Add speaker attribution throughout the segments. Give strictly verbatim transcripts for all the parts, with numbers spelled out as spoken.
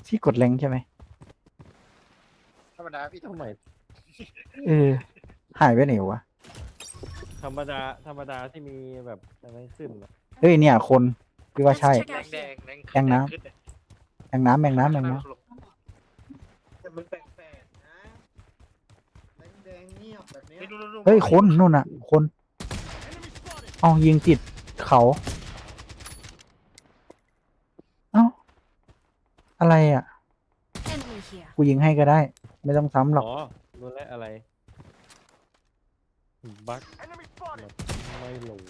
Speaker 1: ที่กดแรงใช่ไหม
Speaker 2: ธรรมดาพี่
Speaker 3: ทำไม
Speaker 1: เออหายไปไหนวะ
Speaker 3: ธรรมดาธรรมดาที่มีแบบอะไรขึ้นอะ
Speaker 1: เฮ้ยเนี่ยคนพี่ว่าใช่
Speaker 2: แดงแดงแดง
Speaker 1: แดงน้ำ
Speaker 2: ขึ้นเลย
Speaker 1: แมงน้ำแมงน้ำแมงน้
Speaker 4: แต่มันแปลกๆนะแดงๆเงียบแบบเนี้ย
Speaker 2: นี่ดูดูดู
Speaker 1: ำเฮ้ยคนนู่นน่ะ คนเอายิงติดเขาเอ้าอะไรอ่ะ
Speaker 5: Enemy here.
Speaker 1: กูยิงให้ก็ได้ ไม่ต้องซ้ำหรอก
Speaker 3: อ๋อรู้แล้วอะไรบั๊กไม่โหลด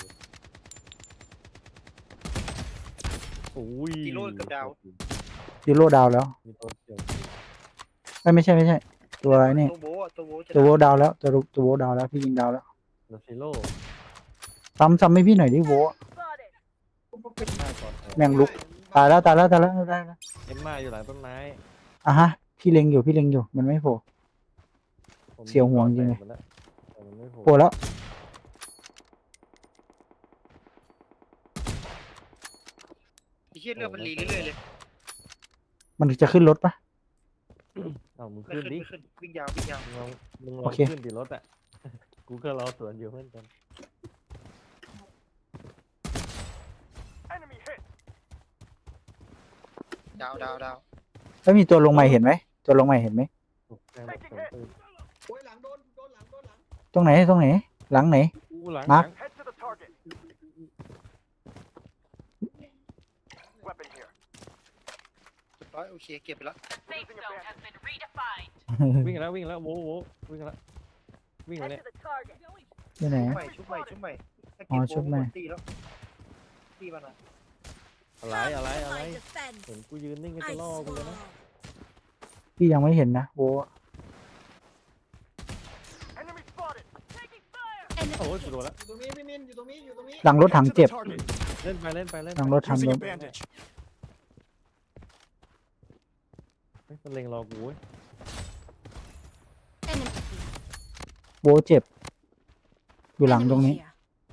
Speaker 3: โอ้ย
Speaker 2: กิโลกับดาว
Speaker 1: ซีโร่ดาวแล้ว
Speaker 3: มีตัวเดียว
Speaker 1: เอ้ยไม่ใช่ไม่ใช่ ตัวอะไรนี่
Speaker 2: ตัวโบะตัวโบะจะ
Speaker 1: ตัวโวดาวแล้วตัวตัวโวดาวแล้วพี่ยิงดาวแล้ว
Speaker 3: โดซิโร่
Speaker 1: ซ้ำซ้ำให้พี่หน่อยดิโว
Speaker 3: หน้าก่อน
Speaker 1: แม่งลุก ตายแล้วตายแล้วตายแล้วตายแล้ว
Speaker 3: เอ็มมาอยู่หลังต้นไม้
Speaker 1: อ่ะฮะพี่เล็งอยู่พี่เล็งอยู่มันไม่โผล่
Speaker 3: ผม
Speaker 1: เสียวห่วงจริงเลย
Speaker 3: แตกหมดแล้วแต่มันไม่โผล่
Speaker 1: โผล่แล้ว
Speaker 2: ไอ้เหี้ยเรือมันรีเรื่อยๆเลย
Speaker 1: มันจะขึ้นรถปะ
Speaker 3: เอามึง
Speaker 2: ไม่
Speaker 3: ขึ้น
Speaker 2: ขึ้น
Speaker 3: ดิ
Speaker 2: ไม่ขึ้นวิ่งยาววิ่งยาว
Speaker 3: มึงลองมึงล
Speaker 1: โอ
Speaker 3: อง
Speaker 1: เค
Speaker 3: ขึ้นดิรถอ่ะ กูก็รอสวนอยู่เพื่อนกัน
Speaker 2: ดาวดาวดาว
Speaker 1: แล้วมีตัวลงใหม่เห็นไหมตัวลงใหม่เห็นไหม
Speaker 3: ตกใจหมดสวนปืน
Speaker 4: โอ้ยหลังโดนโดนหลังโดนหลัง
Speaker 1: ตรงไหนตรงไหน หลังไหน
Speaker 3: อู้หลัง
Speaker 1: มาร์ค
Speaker 3: หลัง
Speaker 2: ร้อยโอเคเก็บไปแล้ว
Speaker 5: Safe zone has been redefined.
Speaker 3: วิ่งแล้ววิ่งแล้วโว้โว้วิ่งแล้ววิ่งแล้วเนี่ย
Speaker 5: the target.
Speaker 1: ที่ไหน
Speaker 2: ชุบใหม่ชุบใหม่ชุบใหม่ถ้า
Speaker 1: อ๋
Speaker 2: เก็
Speaker 1: อบ ชุบใหม่
Speaker 2: โบะตีแล้วตีมันอ่ะ
Speaker 3: อะไรอะไรอะไร
Speaker 5: My defense.
Speaker 3: เห็นกูยืนนิ่งก็จะล่อกูเลยนะ
Speaker 1: พี่ยังไม่เห็นนะโว
Speaker 5: Enemy
Speaker 3: โอ้ยกูโดน
Speaker 5: hit.
Speaker 3: แล้ว
Speaker 4: อยู่ตรงนี้พี่มินอยู่ตรงนี้อยู่ตรงนี้
Speaker 1: หลังรถถังเจ็บ
Speaker 3: เล่นไปเล่นไปเล่น
Speaker 1: หลัง
Speaker 3: ไป
Speaker 1: รถถังโดน
Speaker 3: เฮ้ยมันเล็งรอกูเว้ย
Speaker 5: Enemy here.
Speaker 1: โวเจ็บ อยู่หลังตรง
Speaker 5: Enemy
Speaker 1: นี้
Speaker 5: here.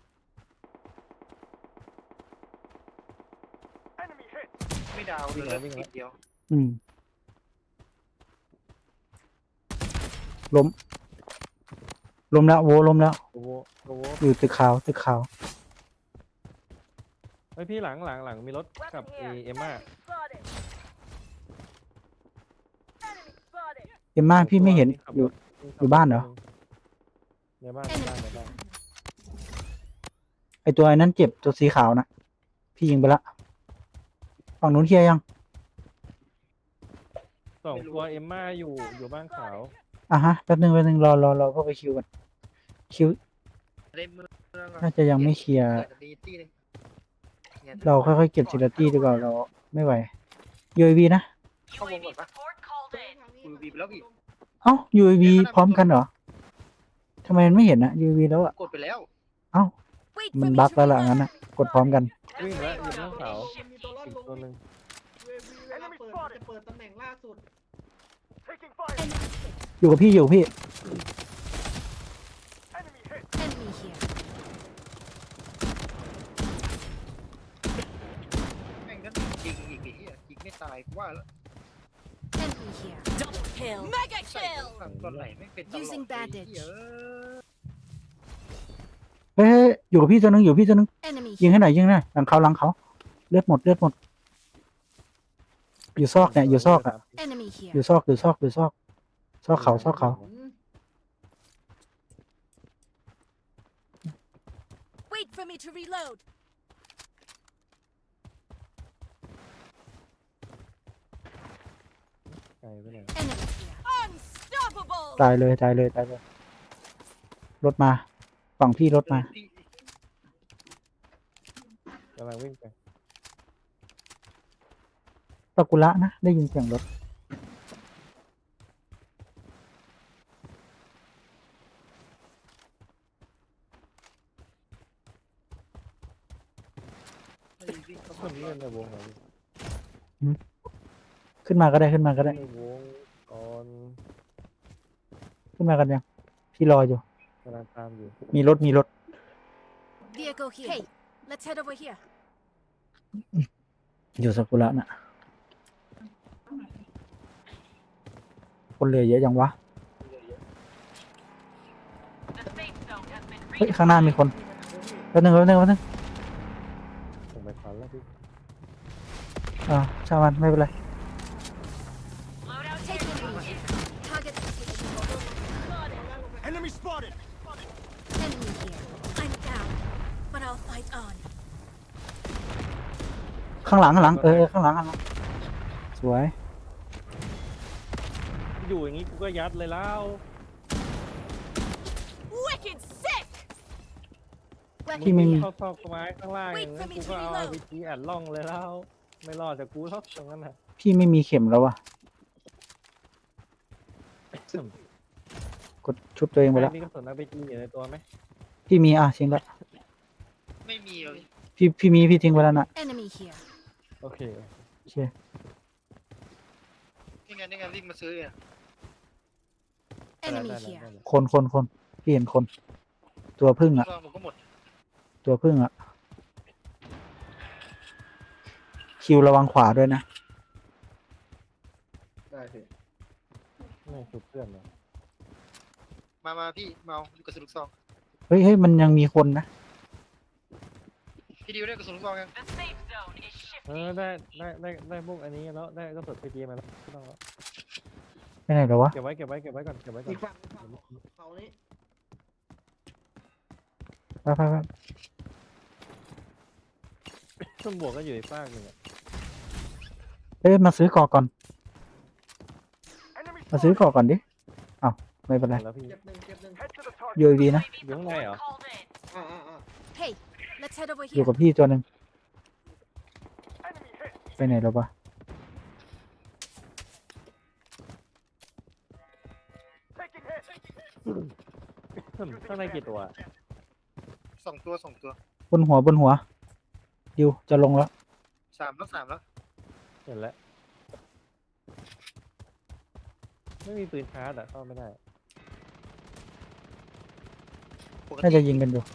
Speaker 2: ไม่ดาวเลยนิดเดียว
Speaker 1: อืมล้มล้มแล้วโวล้มแล้ว
Speaker 3: โอ้โหโอ้โห
Speaker 1: อยู่ตึกขาวตึกขาว
Speaker 3: เฮ้ยพี่หลังหลังหลังมีรถกับเอเอ็มมา
Speaker 5: Spotted. Enemy spotted.
Speaker 1: เอ็มม่าพี่ไม่เห็นอยู่ อยู่บ้านเหรอ
Speaker 3: ในบ้านในบ้านในบ้าน
Speaker 1: ไอตัวไอ้นั้นเจ็บตัวสีขาวนะพี่ยิงไปละฝั่งนู้นเคลียร์ยัง
Speaker 3: สองตัวเอ็มมาอยู่อยู่บ้านขาว
Speaker 1: อ่ะฮะแป๊บนึงแป๊บนึงรอรอรอเข้าไปคิวกันคิว
Speaker 2: ได้เมือง
Speaker 1: น่าจะยังไม่เคลียร์
Speaker 2: ดีตีเลย
Speaker 1: เราค่อยๆเก็บทีละตี้ดีกว่าเราไม่ไหว ยู เอ วี นะ
Speaker 2: เข้าวงก่อนปะ
Speaker 5: Support called in.
Speaker 2: กูบีไปแล้วพี่
Speaker 1: เอ้า ยู เอ วี พร้อมกันเหรอทำไมมันไม่เห็นอะ ยู เอ วี แล้วอะ
Speaker 2: กดไปแล้ว
Speaker 1: เอ้า
Speaker 5: Wait
Speaker 1: มั
Speaker 5: for
Speaker 1: น
Speaker 5: me
Speaker 1: บั๊ก
Speaker 5: to
Speaker 1: แล้วล่ะ
Speaker 5: reload.
Speaker 1: งั้นอะกดพร้อมกัน
Speaker 3: วิ่งแล้วอยู่บ้านขาว
Speaker 4: มันมีตัวรอด
Speaker 3: อีก
Speaker 4: ลง
Speaker 3: ตัวหนึ่ง
Speaker 4: เววีเวลาเปิดมันจะเปิดตำแหน่งล่าสุด
Speaker 5: Enemy hit.
Speaker 1: อยู่กับพี่อยู่กับพี่
Speaker 5: Enemy here.
Speaker 2: แม่งนั่นยิงอีกไอ้เหี้ยยิงไม่ตายกูว่าแล้ว
Speaker 5: Enemy here. Double kill. Mega
Speaker 2: ใส่ฝั่งตอนไหนไม่เป็นตลอด
Speaker 5: Using
Speaker 2: เลย
Speaker 5: bandage
Speaker 2: เหี้ย
Speaker 1: เฮ้ยอยู่กับพี่ตัวนึงอยู่กับพี่ตัวนึง
Speaker 5: Enemy
Speaker 1: ยิง
Speaker 5: here.
Speaker 1: ให้หน่อยยิงให้หน่อยหลังเขาหลังเขาเลือดหมดเลือดหมด อยู่ซอกเนี่ยอยู่ซอกอะ
Speaker 5: Enemy
Speaker 1: อ
Speaker 5: here.
Speaker 1: ยู่ซอกอยู่ซอกอยู่ซอกซอกเขาซอกเขา
Speaker 4: อืม
Speaker 5: Wait for me to reload.
Speaker 3: ไกลไปไหน
Speaker 5: Enemy here. Unstoppable.
Speaker 1: ตายเลยตายเลยตายเลยรถมาฝั่งพี่รถมา
Speaker 2: ที่
Speaker 3: กำลังวิ่งไป
Speaker 1: ปากุระนะได้ยินเสียงรถ
Speaker 2: วิ่งเข้า
Speaker 3: ค
Speaker 2: มาน
Speaker 3: นี้เล่นในวงเหรอ
Speaker 1: ขึ้นมาก็ได้ขึ้นมาก็ได้
Speaker 3: ในวงก่อน
Speaker 1: ขึ้นมากันยังพี่รออยู่
Speaker 3: กำลังตามอยู่
Speaker 1: มีรถมีรถ
Speaker 5: Vehicle here. Hey, let's head over here.
Speaker 1: อยู่ซากุระน่ะคนเหลือเยอะยังวะเฮ้ยข้างหน้ามีคนแป๊บนึงแป๊บนึงแป๊บนึง
Speaker 3: ผมไปฟันแล้วพี่
Speaker 1: อ่าช่างมันไม่เป็นไร
Speaker 5: Taking lead. Target location.
Speaker 6: Enemy spotted!
Speaker 5: Enemy here. I'm down, but I'll fight on.
Speaker 1: ข้างหลังข้างหลังเออเออข้างหลังข้างหลังสวย
Speaker 3: อยู่อย่างงี้กูก็ยัดเลยแล้ว
Speaker 5: Wicked sick.
Speaker 1: พี่ไม่มี
Speaker 3: เข้าซอกไม้ข้างล่างอย่างนั้นกูก็เอาอาร์พีจีอัดล่องเลยแล้ว ไม่รอดจากกูหรอกตรงนั้นน่ะ
Speaker 1: พี่ไม่มีเข็มแล้ววะกดชุบตัวเองไปแล้ว
Speaker 3: มีกระสุนอาร์พีจีอยู่ในตัวไหม
Speaker 1: พี่มีอ่ะทิ้งแล้ว
Speaker 2: ไม่มีเลย
Speaker 1: พี่พี่มีพี่ทิ้งไปแล้วน่ะ
Speaker 5: Enemy here.
Speaker 3: โอเค
Speaker 1: โอเค
Speaker 2: นี่ไงนี่ไงวิ่งมาซื้อเนี่ย
Speaker 5: Enemy
Speaker 3: ได้ๆ
Speaker 5: here.
Speaker 3: ได้ๆ
Speaker 1: คนคนคนพี่เห็นคน ตัวพึ่งอ่ะ
Speaker 2: ลองผมก็หมด
Speaker 1: ตัวพึ่งอ่ะคิวระวังขวาด้วยนะ
Speaker 4: ได้พี่
Speaker 3: ไม่ชุบเพื่อนเลย
Speaker 2: มามาพี่เมาดูกระสุนลูกซอง
Speaker 1: เฮ้ยเฮ้ยมันยังมีคนนะ
Speaker 2: พี่ดิวได้กระสุนลูกซองยัง
Speaker 3: เออได้ได้ได้ได้พวกอันนี้แล้วได้กระสุนพีจีมาแล้วไม่ต้องแล้ว
Speaker 1: ไปไหนแล้ววะ
Speaker 3: เก็บไว้เก็บไว้เก็บไว้ก่อนเก็บไว้ก่อ
Speaker 4: อี
Speaker 3: น
Speaker 4: กฝั่งอีกฝั่งเขานี้
Speaker 1: ไปไปไป
Speaker 3: ต้นบวกก็อยู่อีกฝากหนึ่งอะ
Speaker 1: เอ้ยมาซื้อก่อก่อน มาซื้อก่อก่อนดิอ้าวไม่เป็นไร
Speaker 3: แล้วพี่
Speaker 4: เจ็บหนึ่งเจ็บหนึ่ง
Speaker 1: ยูวีนะ
Speaker 3: อยู่ข้างในเหรอ
Speaker 4: อ่าอ่าอ่า
Speaker 5: Hey, let's head over
Speaker 1: อยู่
Speaker 5: here.
Speaker 1: กับพี่ตัวหนึ่งไปไหนแล้ววะ
Speaker 3: ข้างในกี่ตัว
Speaker 2: สองตัวสองตัว
Speaker 1: บนหัวบนหัวดิวจะลงแล้ว
Speaker 2: สามแล้วสามแล้ว
Speaker 3: เห็นแล้ว ไม่มีปืนชาร์จอะเข้าไม่ได้
Speaker 2: ปก
Speaker 1: น่า
Speaker 2: ติ
Speaker 1: จะยิงกันอยู่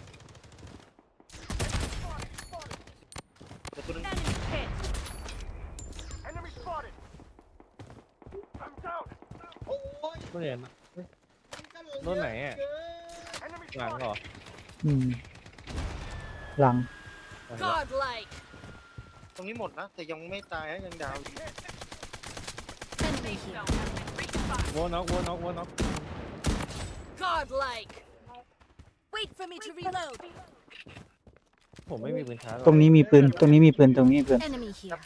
Speaker 2: แต่ตัวนึง
Speaker 6: Enemy spotted! I'm down!
Speaker 4: โอ้ย
Speaker 3: ไม่เห็นอะ
Speaker 4: มันก็เลย
Speaker 3: รถไหนอะ
Speaker 4: เย
Speaker 6: Enemy
Speaker 3: หลัง
Speaker 6: spotted!
Speaker 3: เหรอ
Speaker 1: อืม หลัง
Speaker 5: Godlike.
Speaker 2: ตรงนี้หมดนะแต่ยังไม่ตายนะยังดาวอยู่
Speaker 5: Enemy here.
Speaker 3: โวน็อกโวน็อกโวน็อก
Speaker 5: Godlike. Wait for me to reload.
Speaker 3: ผมไม่มีปืนชาร์จหรอก
Speaker 1: ตรงนี้มีปืน ตรงนี้มีปืน ตรงนี้มีปืน
Speaker 5: Enemy here.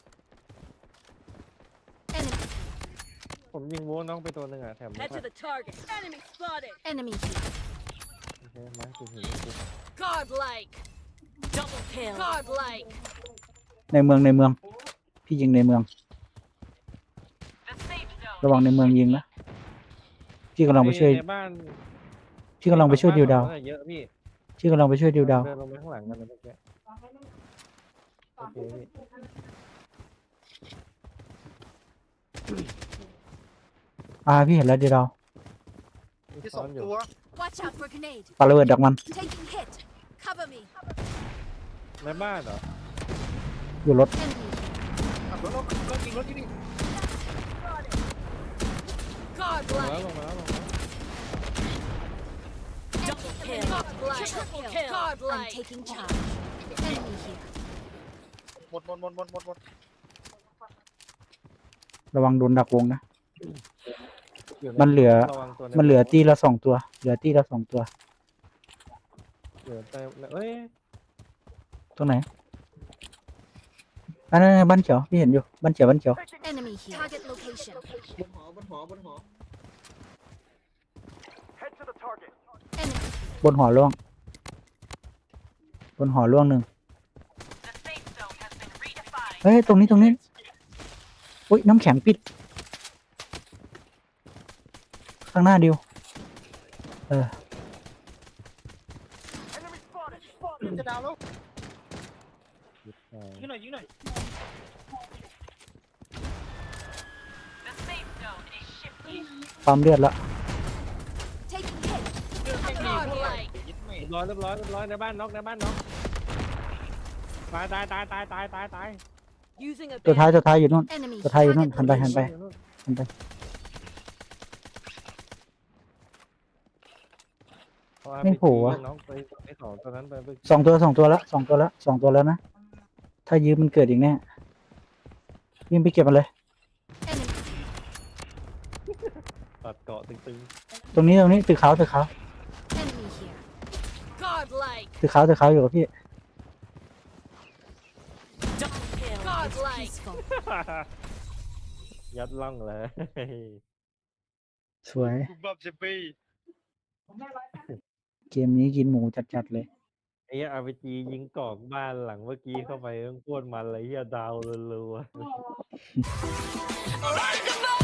Speaker 5: Enemy.
Speaker 3: ผมยิงโวน็อกไปตัวหนึ่งอะแถม
Speaker 5: Head to the target. Enemy spotted. Enemy here.
Speaker 3: โอเคมาถึงหินกู
Speaker 5: Godlike. Double kill. Godlike.
Speaker 1: ในเมืองในเมือง พี่ยิงในเมือง ระวังในเมืองยิงนะ พี่กำลังไปช่วย
Speaker 3: ในบ้าน
Speaker 1: พี่กำลังไปช่วยดิวดาว
Speaker 3: เยอะพี่
Speaker 1: พี่กำลังไปช่วยดิวดาว
Speaker 3: เดินลงไปข้างหลังกันเลยเมื่อกี้โอเคพี่
Speaker 1: อ่าพี่เห็นแล้วดิวดาว
Speaker 3: มี
Speaker 2: ที่ส
Speaker 3: ซ้
Speaker 2: อ
Speaker 3: อง นอยู่
Speaker 2: ตัว
Speaker 5: Watch out for grenade.
Speaker 1: ปาระเบิดดักมัน
Speaker 5: Taking hit. Cover me.
Speaker 3: ในบ้านเหรอ
Speaker 1: อยู่รถ
Speaker 5: Enemy here.
Speaker 2: ขับรถรถรถยิงรถที่นี่
Speaker 3: ลงมาแล้ว
Speaker 5: Godlike.
Speaker 3: ลงมาแล้วลงมาแล้ว
Speaker 5: Double kill. Godlike. Triple kill. Godlike. I'm taking charge. Enemy here.
Speaker 2: หมดหมดหมดหมดหมดหมด
Speaker 1: ระวังโดนดักวงนะ
Speaker 3: อยู่ใ
Speaker 1: มันเหลือ
Speaker 3: ระวังตัวใ
Speaker 1: มันเหลือตีละสองตัว เหลือตีละสองตัว
Speaker 3: เหลือแต่เอ้ย
Speaker 1: ตรงไหนอันนั้นบ้านเขียว พี่เห็นอยู่ บ้านเขียว บ้านเขียว
Speaker 5: Enemy here. Target location.
Speaker 4: บนหอบนหอบนหอ
Speaker 6: Head to the target!
Speaker 5: Enemy.
Speaker 1: บนหอร่วง บนหอร่วงหนึ่ง เฮ้ย ตรงนี้ ตรงนี้ อุ้ย น้ำแข็งปิด ข้างหน้าดิว เออ
Speaker 6: Enemy spotted!
Speaker 2: จะดาวแล้ว
Speaker 3: อ่า
Speaker 2: ยิงหน่อยยิงหน่อย
Speaker 1: ปั๊มเลือดละ
Speaker 5: Taking hit.
Speaker 2: เรื่องแค่นี้
Speaker 5: Godlike.
Speaker 2: ยิงไม่
Speaker 3: เรียบร้อยเรียบร้อยเรียบร้อยในบ้านน็อกในบ้านน็อกตายตายตายตายตายตายตาย
Speaker 5: Using a
Speaker 1: ตัวท้าย ตัวท้ายอยู่นู่น
Speaker 5: enemy.
Speaker 1: ตัวท้ายอยู่นู่น
Speaker 5: Target
Speaker 1: หันไป หันไป
Speaker 5: location.
Speaker 1: หันไป
Speaker 3: เอา อาร์
Speaker 1: ไม่
Speaker 3: พี
Speaker 1: โผล่
Speaker 3: จี
Speaker 1: วะ
Speaker 3: น้องไปไอ้สองตัวนั้นไปไป
Speaker 1: สองตัวสองตัวละสองตัวละสองตัวแล้วนะ ถ้ายืมมันเกิดอีกแน่ยิงไปเก็บมันเลย
Speaker 5: Enemy.
Speaker 3: ตัดเกาะตึง
Speaker 1: ตรงนี้ตรงนี้ตึกขาวตึกขาว
Speaker 5: Enemy here. Godlike.
Speaker 1: ตึกขาวตึกขาวอยู่กับพี่
Speaker 5: Double kill. Godlike. Peaceful.
Speaker 3: ๆ ยัดล่องเลย
Speaker 1: สวย
Speaker 2: บุบบับเซปี
Speaker 1: เกมนี้กินหมูจัดๆเลย
Speaker 3: ไอ้เหี้ย อาร์ พี จี ยิงกอกบ้านหลังเมื่อกี้เข้าไปต้องโคตรมันเลยเฮียดาวรัวๆ
Speaker 5: Like a